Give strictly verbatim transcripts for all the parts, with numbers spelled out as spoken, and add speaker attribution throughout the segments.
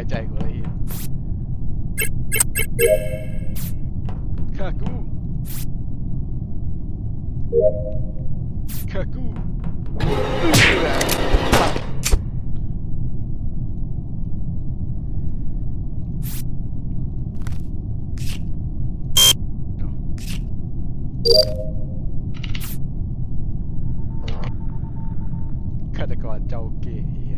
Speaker 1: ว้ใจกูเลยข้ากูข้ากูฆาตกรเจ้าเก๋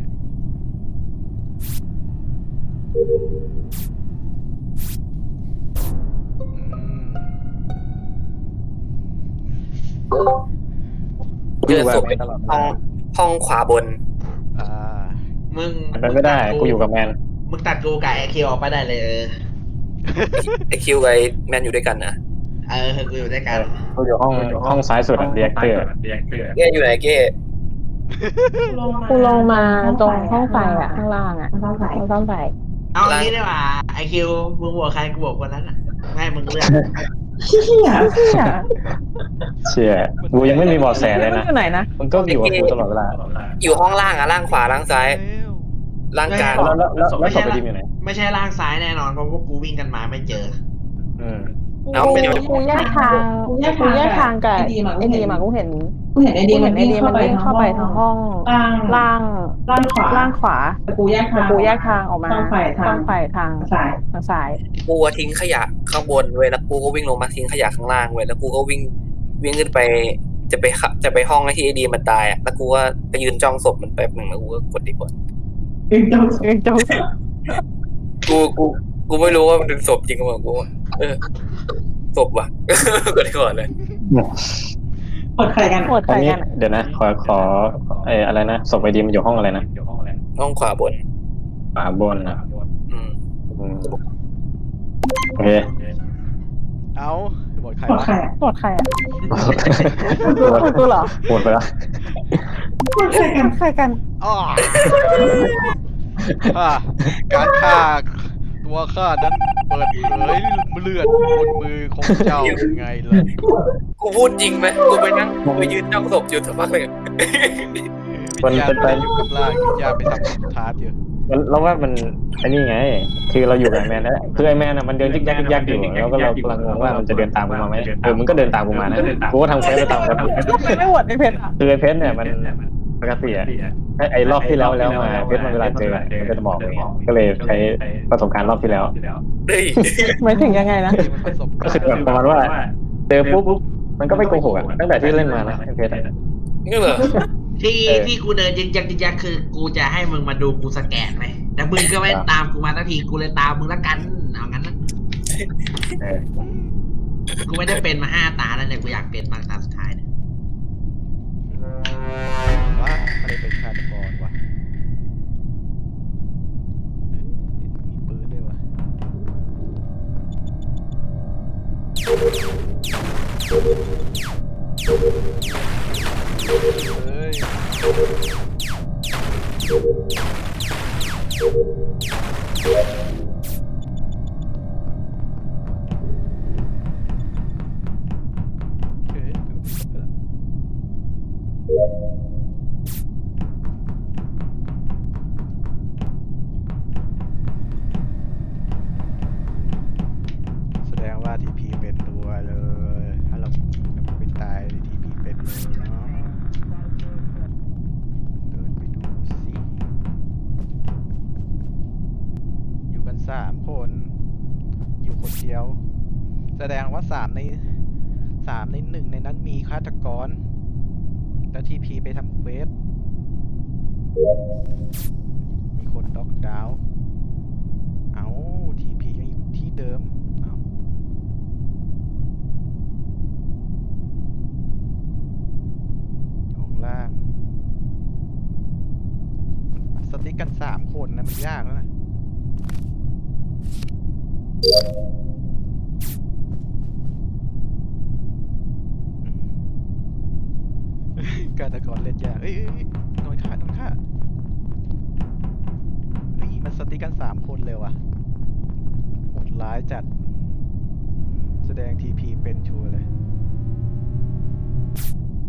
Speaker 2: เจอศพห้องห้องขวาบน
Speaker 1: อ่า
Speaker 3: มึง
Speaker 4: มันไม่ได้กูอยู่กับแมน
Speaker 3: มึงตัดกูกับไอคิวออกไปได้เลยเออ
Speaker 2: ไอคิวกับไอแมนอยู่ด้วยกันนะ
Speaker 3: เออกูอยู่ด้วยกัน
Speaker 4: กูอยู่ห้องห้องซ้ายสุดเรียกเตอร์
Speaker 2: เก้อยู่ไหนเก้
Speaker 5: กูลงมาตรงห้องไฟอ่ะข้างล่างอ่ะห้องไฟห้องไฟ
Speaker 3: เอางี้ได้ป่ะไอคิวมึงบอกใครกูบอกคนนั้นอ่ะให้มึงเลือก
Speaker 5: เชี่ยเชี่ย
Speaker 4: เชี่ยกูยังไม่มีบอสแสเลยนะ
Speaker 5: อยู่ไหนนะ
Speaker 4: มึงก็อยู่กับกูตลอดเวลา
Speaker 2: อยู่ห้องล่างอะล่างขวาล่างซ้ายล่างกลาง
Speaker 4: แล้วแล้วแล้วศพไปดิมอยู่ไหน
Speaker 3: ไม่ใช่ล่างซ้ายแน่นอนเพราะพวกกูวิ่งกันมาไม่เจอ
Speaker 4: อืม
Speaker 5: เอากูแยกทางกูแยกทางกับไอ้ดีมากูเห็นกูเห็นไอเดียมันวิ่งเข้าไปเข้าไปทางห้องล่างล่างขวาล่างขวากูแยกทางกูแยกทางออกมาต้องไปทางไปทางซ้ายทางซ้าย
Speaker 2: กูทิ้งขยะข้างบนเว้ยแล้วกูก็วิ่งลงมาทิ้งขยะข้างล่างเว้ยแล้วกูก็วิ่งวิ่งขึ้นไปจะไปจะไปห้องที่ไอเดียมันตายอ่ะแล้วกูก็ไปยืนจ้องศพมันแป๊บหนึ่งแล้วกูก็กดดีกว่า
Speaker 5: ยืนจ้องยืนจ้อง
Speaker 2: กูกูกูไม่รู้ว่ามันเป็นศพจริงหรือเปล่ากูเออศพว่ะกดดีก่อนเลย
Speaker 5: กดใครกันกดใครกัน
Speaker 4: เดี๋ยวนะขอขอไอ้อะไรนะศพไอดีมันอยู่ห้องอะไรนะ
Speaker 2: ห้องขวาบน
Speaker 4: ขวาบนนะ
Speaker 2: อืม
Speaker 4: โอเค
Speaker 1: เอาบทใคร
Speaker 5: บทใครบทใครอ่ะบทกูเหรอ
Speaker 4: หมดไปแล้ว
Speaker 5: บทใครกันใครกัน
Speaker 1: อ๋อการฆ่าตัวข้านั้นเปิดเผยเลือดบนมือของเจ้ายังไงล่ะ
Speaker 2: กูพูดจริงไหมกูไปนั่งกูไปยืนจ้องศพอยู่สักพักเลย
Speaker 1: วิญญาณไปอยู่กับร่างวิญญาณไปทำทาร์ตอยู่
Speaker 4: เราว่ามันไอ้นี่ไงคือเราอยู่กับแมนแล้วคือไอแมนอ่ะมันเดินยึกยักยึกยักอยู่แล้วก็เรากำลังงงว่ามันจะเดินตามกูมาไหมเออมันก็เดินตามกูมานะกูก็ทำเฟซไปตามแล้ว
Speaker 5: ไม่หวดไอเพชร
Speaker 4: คือไอเพชรเนี่ยมันปกติอะไอ้รอบที่แล้วแล้วมาเพชรมันเวลาเจอมันก็จะบอกอย่างเงี้ยก็เลยใช้ประสบการณ์รอบที่แล้ว
Speaker 5: หมายถึงยังไงนะ
Speaker 4: ก็คือแบบประมาณว่าเจอปุ๊บมันก็ไม่โกหกอ่ะตั้งแต่ที่เล่นมานะไอเพชร
Speaker 2: นี่เหรอ
Speaker 3: ที่ที่กูเดินยิงยักยิงยักคือกูจะให้มึงมาดูกูสแกนไหมแต่มึงก็ไม่ตามกูมาทันทีกูเลยตามมึงละกันเอางั้นนะกูไม่ได้เป็นมาห้าตาแล้วเนี่ยกูอยากเป็นมาตาสุดท้ายเนี่ย
Speaker 1: ว่าอะไรเป็นฆาตกรวะมีปืนด้วยวะเฮ้ยแสดงว่าทีพีเป็นตัวเลยถ้าเราไม่ตายทีพีเป็นเลยเนาะเดินไปดูสิอยู่กันสามคนอยู่คนเดียวแสดงว่าสามในสามในหนึ่งในนั้นมีฆาตกรแล้วทีพีไปทำเควสมีคนด็อกดาวน์เอาทีพียังอยู่ที่เดิมเอาอยู่ข้างล่างสติ๊กกันสามคนนะมันยากแล้วนะฆาตกรเล่นยากเอ้ยโดนฆ่าโดนฆ่าเฮ้ยมันสติ๊กกันสามคนเลยว่ะโหดร้ายจัดแสดงทีพีเป็นชัวร์เลย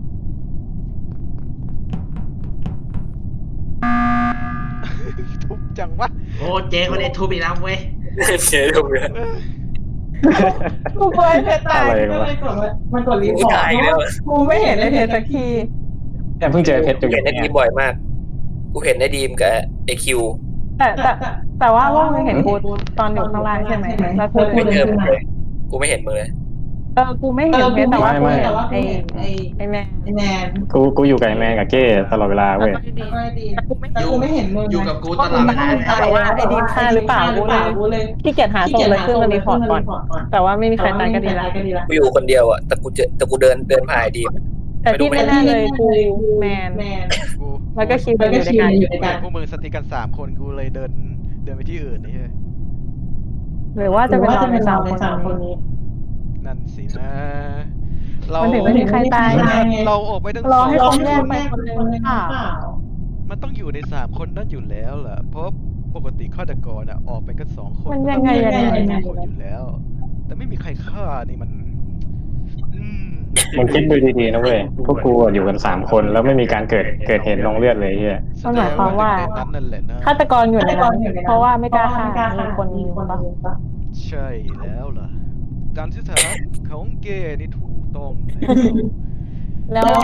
Speaker 1: ทุบจังวะ
Speaker 3: โอ้เจ๊คนนี้ทุบอีกแล้วเว้ย
Speaker 2: เจ๊ดูเลย
Speaker 5: กูกลัวไอ้เพชรตาย
Speaker 4: อะไร
Speaker 5: ก็
Speaker 4: วะ
Speaker 5: เลยกดว่ามันกดรีพ
Speaker 2: กู
Speaker 5: อร์ต
Speaker 2: ตายแล้ว
Speaker 5: กูไม่เห็นไอ้เพชรสักที
Speaker 4: แต่เพิ่งเจอเพชรอ
Speaker 2: กู
Speaker 4: ยู่
Speaker 2: เห็นไอ้ดีมบ่อยมาก กูเห็นไอ้ดีมกับไอ้คิว
Speaker 5: แต่แต่แต่ว่าว่ามึงเห็นกูตอนอยู่ข้างล่างใช่ไหมแล้วกู
Speaker 2: ไม่
Speaker 5: เดิน
Speaker 2: เจอ
Speaker 5: ขึ้น
Speaker 2: มึง
Speaker 5: มา
Speaker 2: เลยกูไม่เห็นมึงเลย
Speaker 5: เออกูไม่เห็นเพชรแต่ว่ากูเห็นไอ้ไอ้แม่ไอ้แม่
Speaker 4: กูกูอยู่กับไอ้แมนกับเก้ตลอดเวลาเว้ย
Speaker 5: แต่กูไม่เห็นมึง
Speaker 3: อยู่กับกูตลอดเวลา
Speaker 5: แต่ว่าไอ้ดีมฆ่าหรือเปล่ากูเลยขี้เกียจหาศพเลยขึ้นมารีพอร์ตก่อน แต่ว่าไม่มีใครตายก็ดีละ
Speaker 2: กูอยู่คนเดียวอ่ะ แต่กูเจอแต่กูเดินเดินผ่านไอ้ดีม
Speaker 5: แต่ที่แน่ๆเลยกูแมน
Speaker 1: กู
Speaker 5: แล้วก็คิวอยู่ด้วยกัน
Speaker 1: กูเห็นพวกมึงสติกกันสามคนกูเลยเดินเดินไปที่อื่นนี่ใช่
Speaker 5: หรือว่าจะเป็นเราในสามคนนี้
Speaker 1: นั่นสินะเรา
Speaker 5: มันถึงไม่มีใครตายไง
Speaker 1: เราออกไปทั้ง
Speaker 5: ร
Speaker 1: ส
Speaker 5: อ
Speaker 1: อง
Speaker 5: ให้
Speaker 1: ค
Speaker 5: คน
Speaker 1: น
Speaker 5: แยกไปคนนึงหรือเปล่า
Speaker 1: มันต้องอยู่ในสามคนนั้นอยู่แล้วล่ะ เพราะปกติฆาตกรอ่ะออกไปกันสองคน
Speaker 5: มันยังไงยังไง
Speaker 1: มัน
Speaker 5: ยังไง
Speaker 1: มีคนอยู่แล้ว แต่ไม่มีใครฆ่านี่มัน อืม
Speaker 4: มึงคิดดูดีๆนะเว้ยพวกกูอะอยู่กันสามคนแล้วไม่มีการเกิดเกิดเหตุลงเลือดเลยเฮีย
Speaker 5: มันหมายความว่า
Speaker 1: แสดงในนั้นนั่นแหละนะ
Speaker 5: ฆาตกรอยู่ในนั้นเพราะว่าไม่กล้าฆ่ามีคนยิงปะ
Speaker 1: ใช่แล้วล่ะการที่ฐานของเกย์นี่ถูกต้องแล้ว
Speaker 5: แล้ว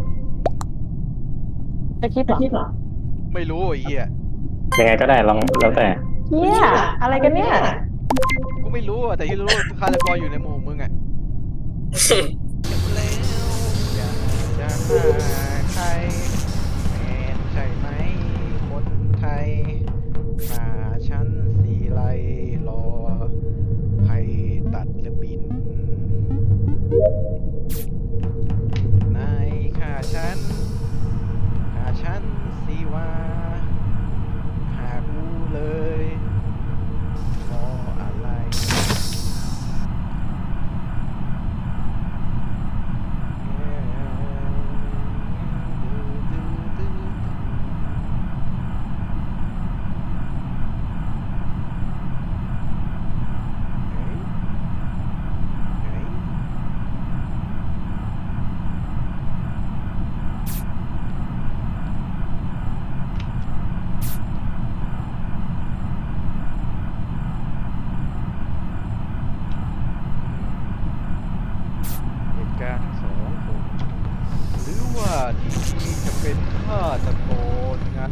Speaker 5: จะคิดเหรอ
Speaker 1: ไม่รู้ไอ้เหี้ย
Speaker 4: ยังไงก็ได้ลองแล้วแต่
Speaker 5: เฮียอะไรกันเนี่ย
Speaker 1: กูไม่รู้อะแต่ที่รู้ฆาตกรอยู่ในหมู่มึงอะแล้วอยากจะหาใครแมนใช่ไหมคนไทยหาฉันสีไลรอใครตัดหรือบินนายฆ่าฉันฆ่าฉันสิว่าหากูเลยเพราะอะไร เหตุการณ์ทั้งสองคนหรือว่าทีทีจะเป็นฆาตกรงั้น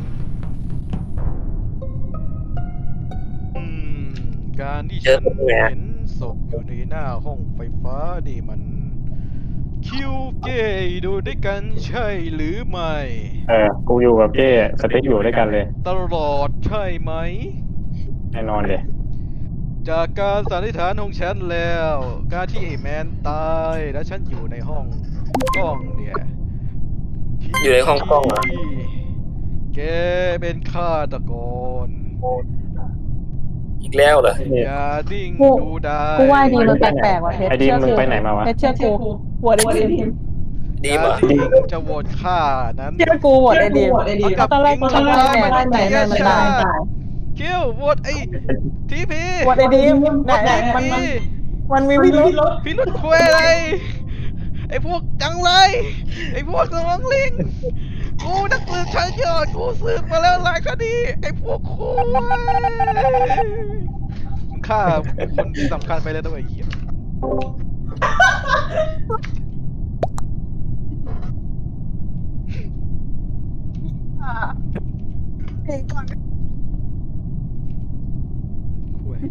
Speaker 1: อืม การที่ฉันเห็นศพอยู่ในหน้าห้องไฟฟ้านี่มัน คิวเกย์ดูด้วยกันใช่หรือไม่
Speaker 4: เออกูอยู่กับเก้สติ๊กอยู่ด้วยกันเลย
Speaker 1: ตลอดใช่ไหม
Speaker 4: แน่นอนเลย
Speaker 1: จากการสันนิษฐานของฉันแล้ว การที่ไอ้แมนตายและฉันอยู่ในห้องกล้องเนี่ย
Speaker 2: อยู่ในห้องกล้องเหรอ
Speaker 1: แกเป็นฆาตกร
Speaker 2: อีกแล้วเหรอ
Speaker 1: อย่าดิ้ง
Speaker 5: กู
Speaker 1: ดูได้
Speaker 5: กูว่าดีมันแปลกๆว่ะเพชร
Speaker 4: ไอ้ดีมมึงไปไหนมาวะ
Speaker 5: เพชรเชื่อกูหัวไอ้ดีม
Speaker 2: ดี
Speaker 1: อย่าม
Speaker 2: เหรอ
Speaker 1: ดิ้งจะโหวตฆ่านั้น
Speaker 5: เชื่อกูหัวไอ้ดีมเอาตอนแรกกูทำได้แมนได้แมนได้มันตาย
Speaker 1: คิวโหวตไอ้ทีพี
Speaker 5: หัวไอ้ดีมไหนไหนมันมันมันมีพิรุธ
Speaker 1: พี่นุชคุยอะไร ไอ้พวกจังไร ไอ้พวกสมองลิง กูนักสืบชั้นยอด กูสืบมาแล้วหลายคดี ไอ้พวกคุยมึงฆ่าคนสำคัญไปแล้วด้วยไอ้เหี้ยคุย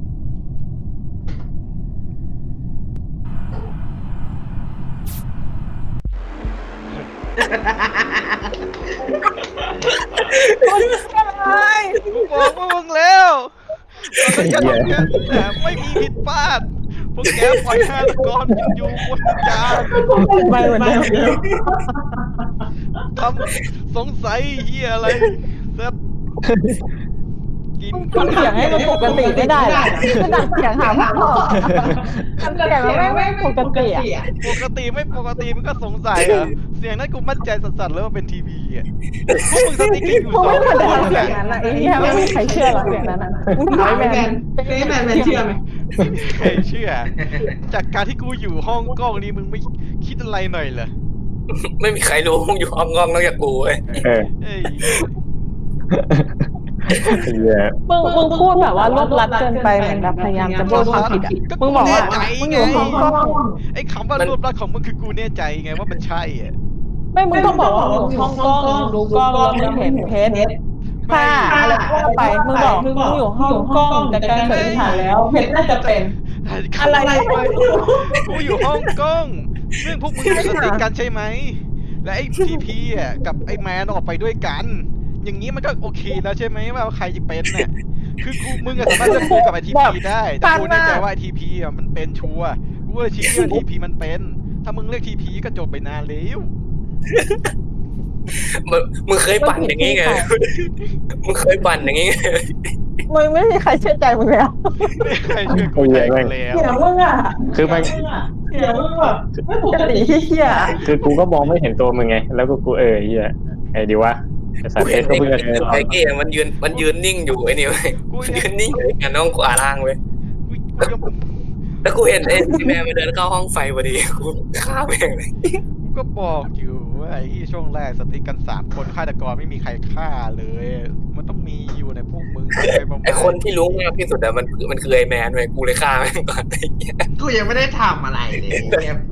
Speaker 1: กูบอกพวกมึงแล้วตอนนั้นจะทำกันแต่ไม่มีผิดพลาด พวกแกปล่อยฆาตกรอยู่บนจาน
Speaker 5: ไม่เหมือนเดิม
Speaker 1: ทำสงสัยเฮียอะไรเสร็จกิน
Speaker 5: ทำเสียงให้มันปกติไม่ได้หรอขนาดเสียงหาพ่อทำเสียงมันไม่ปกติอ่ะ
Speaker 1: ปกติไม่ปกติมันก็สงสัยเหรอเสียงนั้นกูมั่นใจสัสๆเลยว่าเป็นทีวีอ่ะพวกมึงสติ๊กอยู่
Speaker 5: กู
Speaker 1: สอ
Speaker 5: ไม่
Speaker 1: ง
Speaker 5: เคย
Speaker 1: คน
Speaker 5: ทำเสียง
Speaker 1: เนี่ย
Speaker 5: นั้นอ่ะไอ้เหี้ยไม่มีใครเชื่อหรอกเสียงนั้นอ่ะมึงถามแมนแมนแมนเชื่อไหม
Speaker 1: ไม่มีใครเชื่อ จากการที่กูอยู่ห้องกล้องนี้มึงไม่คิดอะไรหน่อยเหรอ
Speaker 2: ไม่มีใครรู้มึงอยู่ห้องกล้องนอกจากกูเว้ย
Speaker 4: เออ
Speaker 1: เอ้ย
Speaker 4: เหี้ย
Speaker 5: มึงมึงพูดแบบว่ารวบลัดเกินไปเหมือนแบบพยายามจะพูดความผิดอ่ะมึงบอกว่ามึงอยู่ห้องกล้อง
Speaker 1: ไอ้คำว่ารวบรัดของมึงคือกูแน่ใจไงว่ามันใช่อ่ะ
Speaker 5: ไม่มึงต้องบอกว่ามึงอยู่ห้องกล้องดูกล้องแล้วมึงเห็นเพชรค่ะอะไรก็ว่าไปมึงบอกมึงอยู่ห้องกล้องแต่การสันนิษฐานแล้วเพชรน่าจะเป็นอะไร
Speaker 1: กูอยู่ห้องกล้องเรื่องพวกมึงสติกกันใช่ไหมและไอ้ทีพีอ่ะกับไอ้แมนออกไปด้วยกัน อย่างนี้มันก็โอเคแล้วใช่ไหมว่าใครจะเป็นเนี่ยคือกูมึงอะสามารถจะพูดกับไอทีพีได้แต่กูแน่ใจว่าไอทีพีอ่ะมันเป็นชัวร์กูเลยชี้ว่าทีพีมันเป็นถ้ามึงเรียกทีพีก็จบไปนานแล้ว
Speaker 2: มึงมึงเคยปั่นอย่างนี้ไงมึงเคยปั่นอย่างนี้ไง
Speaker 5: มึงไม่มีใครเชื่อใจมึงแล้ว
Speaker 1: ไม่ใครเชื่อกูใจกูแล้ว
Speaker 5: เดี๋ยวมึงอ่ะ
Speaker 4: คือมัน
Speaker 5: เดี๋ยวมึงแบบไม่ปกติเฮีย
Speaker 4: คือกูก็มองไม่เห็นตัวมึงไง แล้วก็กูเออเหี้ยไอ้ดีวะไอ้สัต
Speaker 2: กู
Speaker 4: ว์เพ
Speaker 2: เห็
Speaker 4: ช
Speaker 2: น
Speaker 4: รก็
Speaker 2: ไอ้
Speaker 4: เพิ่งจะเดิน
Speaker 2: ไอ้เก้มันยืนมันยืนนิ่งอยู่ไอ้นี่เว้ยมันยืนนิ่งอยู่กันน้องขวาล่างเว้ย
Speaker 1: กูกูยัง
Speaker 2: แล้วกูเห็นไอ้ที่แม่มาเดินเข้าห้องไฟพอดีกูฆ่าแม่งเลย
Speaker 1: กูก็บอกอยู่ว่าไอ้ที่ช่วงแรกสติกกันสามคนฆาตกรไม่มีใครฆ่าเลย มันต้องมีอยู่ในพวกมึงไปประมาณ
Speaker 2: ไอ้คนที่รู้มากที่สุดอะมันมันคือไอ้แมนเว้ยกูเลยฆ่าแม่งก่อนไอ้เหี้ย
Speaker 3: กูยังไม่ได้ทำอะไรเลยเนี่ย